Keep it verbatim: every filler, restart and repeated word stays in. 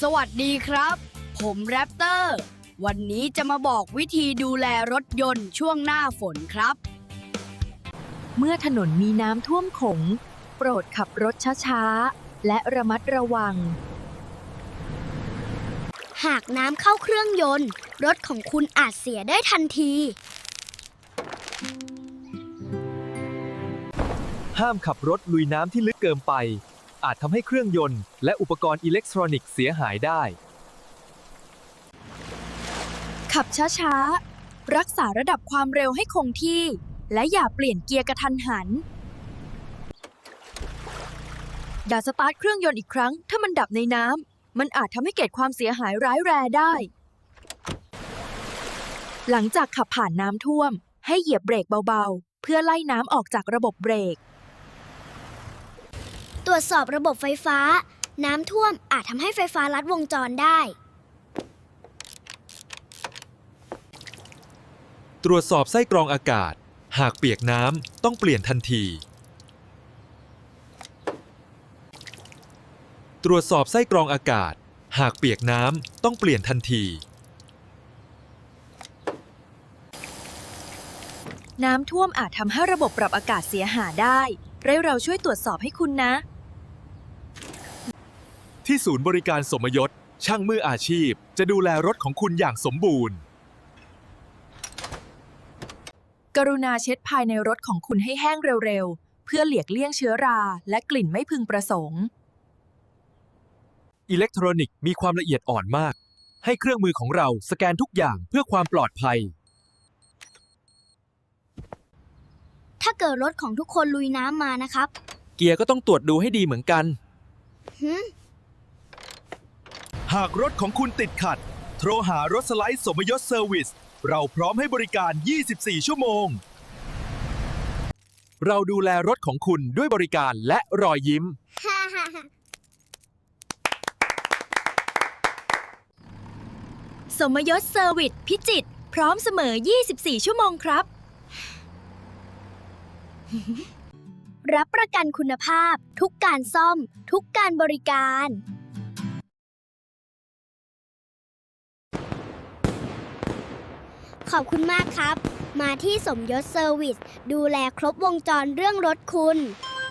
สวัสดีครับ ผมแรปเตอร์ วันนี้จะมาบอกวิธีดูแลรถยนต์ช่วงหน้าฝนครับเมื่อถนนมีน้ำท่วมขงโปรดขับรถช้าๆ และระมัดระวังหากน้ำเข้าเครื่องยนต์รถของคุณอาจเสียได้ทันทีห้ามขับรถลุยน้ำที่ลึกเกินไป อาจทำให้เครื่องยนต์และอุปกรณ์อิเล็กทรอนิกส์เสียหายได้ขับช้าๆ รักษาระดับความเร็วให้คงที่ และอย่าเปลี่ยนเกียร์กระทันหัน อย่าสตาร์ทเครื่องยนต์อีกครั้ง ถ้ามันดับในน้ำ มันอาจทำให้เกิดความเสียหายร้ายแรงได้ หลังจากขับผ่านน้ำท่วม ให้เหยียบเบรกเบาๆ เพื่อไล่น้ำออกจากระบบเบรกตรวจสอบระบบไฟฟ้า น้ำท่วมอาจทำให้ไฟฟ้าลัดวงจรได้ตรวจสอบไส้กรองอากาศ หากเปียกน้ำต้องเปลี่ยนทันที ตรวจสอบไส้กรองอากาศ หากเปียกน้ำต้องเปลี่ยนทันทีน้ำท่วมอาจทำให้ระบบปรับอากาศเสียหายได้ให้เราช่วยตรวจสอบให้คุณนะที่ศูนย์บริการสมยศ ช่างมืออาชีพจะดูแลรถของคุณอย่างสมบูรณ์กรุณาเช็ดภายในรถของคุณให้แห้งเร็วๆ เพื่อหลีกเลี่ยงเชื้อราและกลิ่นไม่พึงประสงค์อิเล็กทรอนิกส์มีความละเอียดอ่อนมาก ให้เครื่องมือของเราสแกนทุกอย่างเพื่อความปลอดภัยถ้าเกิดรถของทุกคนลุยน้ำมานะครับเกียร์ก็ต้องตรวจดูให้ดีเหมือนกันหึหากรถของคุณติดขัด โทรหารถสไลด์สมยศเซอร์วิส เราพร้อมให้บริการ ยี่สิบสี่ ชั่วโมง เราดูแลรถของคุณด้วยบริการและรอยยิ้มสมยศเซอร์วิสพิจิตรพร้อมเสมอ ยี่สิบสี่ ชั่วโมงครับรับประกันคุณภาพทุกการซ่อม ทุกการบริการ ขอบคุณมากครับ มาที่สมยศเซอร์วิส ดูแลครบวงจรเรื่องรถคุณ